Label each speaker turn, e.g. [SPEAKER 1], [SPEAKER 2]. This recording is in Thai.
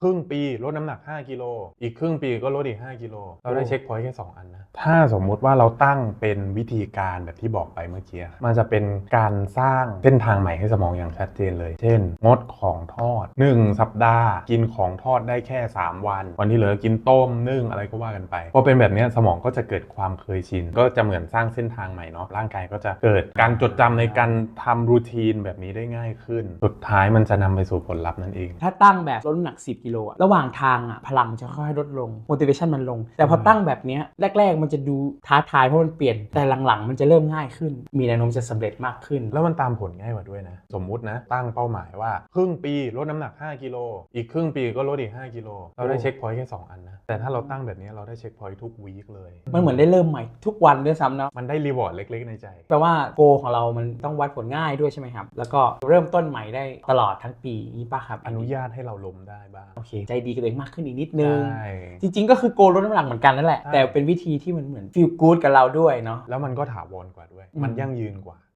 [SPEAKER 1] ครึ่งปีลดน้ำหนัก5กิโลอีกครึ่งปีก็ลดอีก5กิโลเราได้เช็คพอยต์แค่2อันนะถ้าสมมุติว่าเราตั้งเป็นวิธีการแบบที่บอกไปเมื่อกี้มันจะเป็นการสร้างเส้นทางใหม่ให้สมองอย่างชัดเจนเลยเช่นงดของทอด1สัปดาห์กินของทอดได้แค่3วันที่เหลือกินต้มนึ่งอะไรก็ว่ากันไปพอเป็นแบบนี้สมองก็จะเกิดความเคยชินก็จะเหมือนสร้างเส้นทางใหม่เนาะร่างกายก็จะเกิดการจดจำในการทำรูทีนแบบนี้ได้ง่ายขึ้นสุดท้ายมันจะนำไปสู่ผลลัพธ์นั่นเอง
[SPEAKER 2] ถ้าตั้งแบบลดน้ำหนัก10กิโลระหว่างทางพลังจะค่อยๆลดลง motivation มันลงแต่พอตั้งแบบนี้แรกๆมันจะดูท้าทายเพราะมันเปลี่ยนแต่หลังๆมันจะเริ่มง่ายขึ้นมีแนวโน้มจะสำเร็จมากขึ้น
[SPEAKER 1] แล้วมันตามผลง่ายกว่าด้วยนะสมมุตินะตั้งเป้าหมายว่าครึ่งปีลดน้ำหนัก5กิโลอีกครึ่งปีก็ลดอีก5กิโลเราได้เช็คพอยต์แค่2อันนะแต่ถ้าเราตั้งแบบนี้เราได้เช็คพอยต์ทุกวีคเลย
[SPEAKER 2] มันเหมือนได้เริ่มใหม่ทุกวันด้วยซ้ำเนาะ
[SPEAKER 1] มันได้รีวอร์ดเล็กๆในใจ
[SPEAKER 2] แปลว่าโกของเรามันต้องวัดผลง่ายด้วยใช่ไหมครับแล้วก็เริ่มต้นใหม่ได้ตลอดทั้งปีนี้ป่ะครับ
[SPEAKER 1] อนุญาตให้เราล้มได้บ้าง
[SPEAKER 2] โอเคใจดีกับตัวเองมากขึ้นอีกนิดนึง
[SPEAKER 1] ใช่
[SPEAKER 2] จริงๆก็คือโกลดน้ำหนักเหมือนกันนั่นแหละแต่เป็นวิธีที่มันเหมือนฟีลกู๊ดกับเราด้วยเนาะ
[SPEAKER 1] แล้วมันก็ถาวรกว่าด้วยมันยั่งยืนกว่า